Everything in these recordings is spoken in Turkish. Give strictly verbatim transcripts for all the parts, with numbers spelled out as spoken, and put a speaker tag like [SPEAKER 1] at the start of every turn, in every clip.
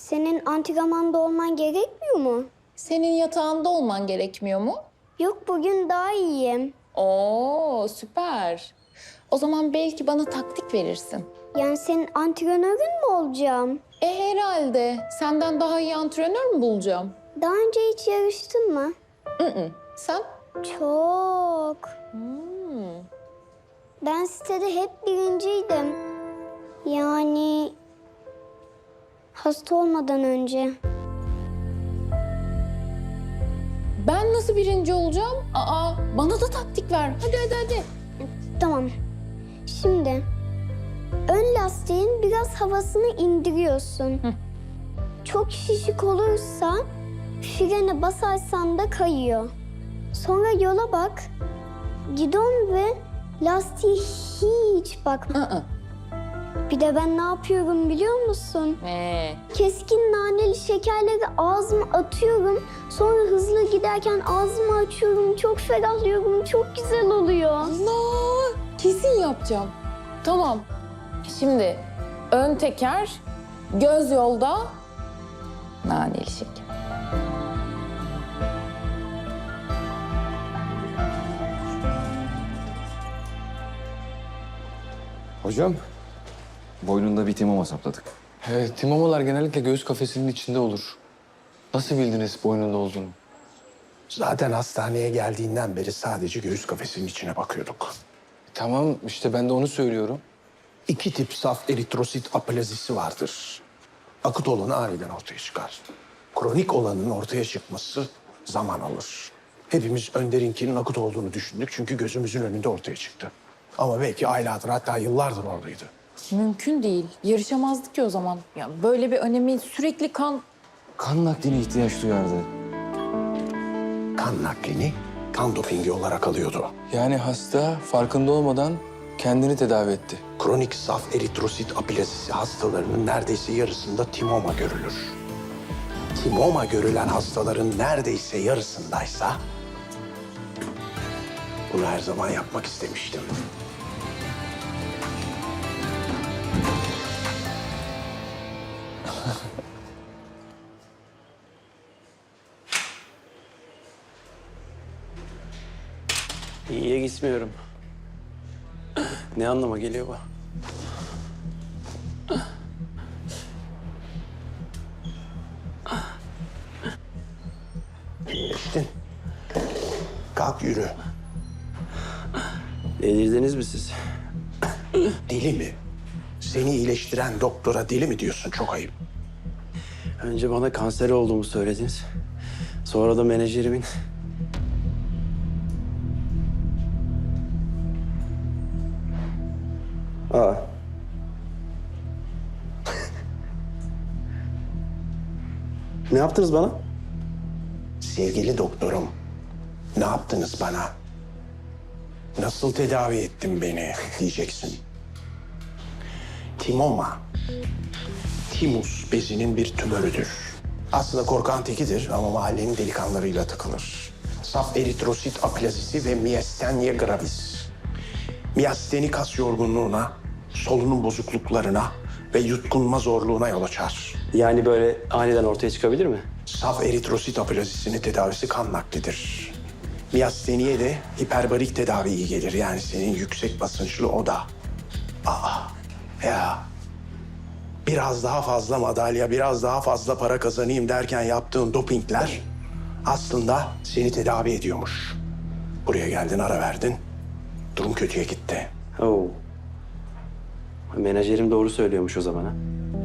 [SPEAKER 1] Senin antrenmanda olman gerekmiyor mu?
[SPEAKER 2] Senin yatağında olman gerekmiyor mu?
[SPEAKER 1] Yok, bugün daha iyiyim.
[SPEAKER 2] Oo, süper. O zaman belki bana taktik verirsin.
[SPEAKER 1] Yani senin antrenörün mü olacağım?
[SPEAKER 2] E herhalde. Senden daha iyi antrenör mü bulacağım?
[SPEAKER 1] Daha önce hiç yarıştın mı?
[SPEAKER 2] Hı. Sen?
[SPEAKER 1] Çok.
[SPEAKER 2] Hmm.
[SPEAKER 1] Ben sitede hep birinciydim. Yani hasta olmadan önce.
[SPEAKER 2] Ben nasıl birinci olacağım? Aa, bana da taktik ver. Hadi hadi hadi.
[SPEAKER 1] Tamam. Şimdi ön lastiğin biraz havasını indiriyorsun.
[SPEAKER 2] Hı.
[SPEAKER 1] Çok şişik olursa frene basarsan da kayıyor. Sonra yola bak. Gidon ve lastiğe hiç bakma.
[SPEAKER 2] Aa.
[SPEAKER 1] Bir de ben ne yapıyorum biliyor musun?
[SPEAKER 2] Ee.
[SPEAKER 1] Keskin naneli şekerleri ağzıma atıyorum. Sonra hızlı giderken ağzımı açıyorum. Çok ferahlıyorum. Çok güzel oluyor.
[SPEAKER 2] Allah! Kesin yapacağım. Tamam. Şimdi ön teker, göz yolda, naneli şeker.
[SPEAKER 3] Hocam, boynunda bir timoma sapladık.
[SPEAKER 4] Evet, timomalar genellikle göğüs kafesinin içinde olur. Nasıl bildiniz boynunda olduğunu?
[SPEAKER 5] Zaten hastaneye geldiğinden beri sadece göğüs kafesinin içine bakıyorduk.
[SPEAKER 4] Tamam, işte ben de onu söylüyorum.
[SPEAKER 5] İki tip saf eritrosit aplazisi vardır. Akut olanı aniden ortaya çıkar. Kronik olanın ortaya çıkması zaman alır. Hepimiz Önder'inkinin akut olduğunu düşündük çünkü gözümüzün önünde ortaya çıktı. Ama belki aylardır hatta yıllardır oradaydı.
[SPEAKER 2] Mümkün değil. Yarışamazdık ki o zaman. Ya böyle bir önemi sürekli kan...
[SPEAKER 3] Kan nakline ihtiyaç duyardı.
[SPEAKER 5] Kan naklini kan dopingi olarak alıyordu.
[SPEAKER 4] Yani hasta farkında olmadan kendini tedavi etti.
[SPEAKER 5] Kronik saf eritrosit aplazisi hastalarının neredeyse yarısında timoma görülür. Timoma görülen hastaların neredeyse yarısındaysa bunu her zaman yapmak istemiştim.
[SPEAKER 6] İyiye gitmiyorum. Ne anlama geliyor bu?
[SPEAKER 5] İyileştin. Kalk yürü.
[SPEAKER 6] Delirdiniz mi siz?
[SPEAKER 5] Deli mi? Seni iyileştiren doktora deli mi diyorsun? Çok ayıp.
[SPEAKER 6] Önce bana kanser olduğumu söylediniz. Sonra da menajerimin... Aa. Ne yaptınız bana?
[SPEAKER 5] Sevgili doktorum, ne yaptınız bana? Nasıl tedavi ettin beni diyeceksin. Timoma, timus bezinin bir tümörüdür. Aslında korkan tekidir ama mahallenin delikanlılarıyla takılır. Saf eritrosit aplazisi ve miyastenia gravis. Miyasteni kas yorgunluğuna, solunum bozukluklarına ve yutkunma zorluğuna yol açar.
[SPEAKER 6] Yani böyle aniden ortaya çıkabilir mi?
[SPEAKER 5] Saf eritrosit aplazisinin tedavisi kan naklidir. Miyasteniye de hiperbarik tedavi iyi gelir. Yani senin yüksek basınçlı oda. Aa, ya. Biraz daha fazla madalya, biraz daha fazla para kazanayım derken yaptığın dopingler aslında seni tedavi ediyormuş. Buraya geldin, ara verdin. Durum kötüye gitti.
[SPEAKER 6] Oo. Menajerim doğru söylüyormuş o zaman ha.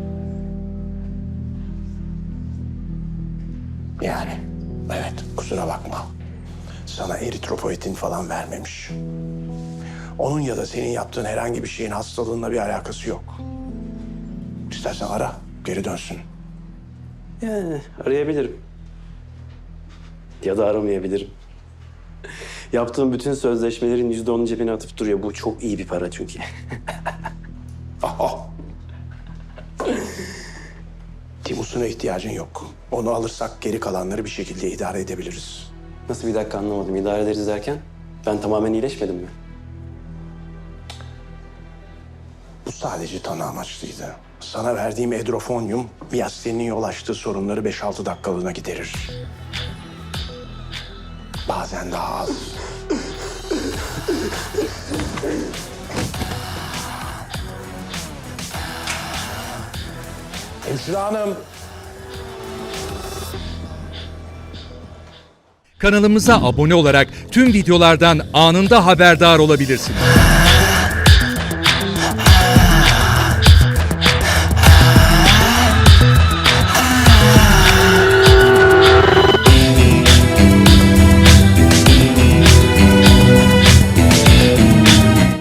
[SPEAKER 5] Yani evet, kusura bakma. Sana eritropoetin falan vermemiş. Onun ya da senin yaptığın herhangi bir şeyin hastalığınla bir alakası yok. İstersen ara, geri dönsün.
[SPEAKER 6] Yani arayabilirim. Ya da aramayabilirim. Yaptığım bütün sözleşmelerin yüzde onun cebine atıp duruyor. Bu çok iyi bir para çünkü.
[SPEAKER 5] Aha. Timus'una ihtiyacın yok. Onu alırsak geri kalanları bir şekilde idare edebiliriz.
[SPEAKER 6] Nasıl, bir dakika anlamadım. İdare ederiz derken ben tamamen iyileşmedim mi?
[SPEAKER 5] Bu sadece tanı amaçlıydı. Sana verdiğim edrofonyum miyasteninin yol açtığı sorunları beş altı dakikalığına giderir. Bazen daha az. Hemşire hanım.
[SPEAKER 7] Kanalımıza abone olarak tüm videolardan anında haberdar olabilirsiniz.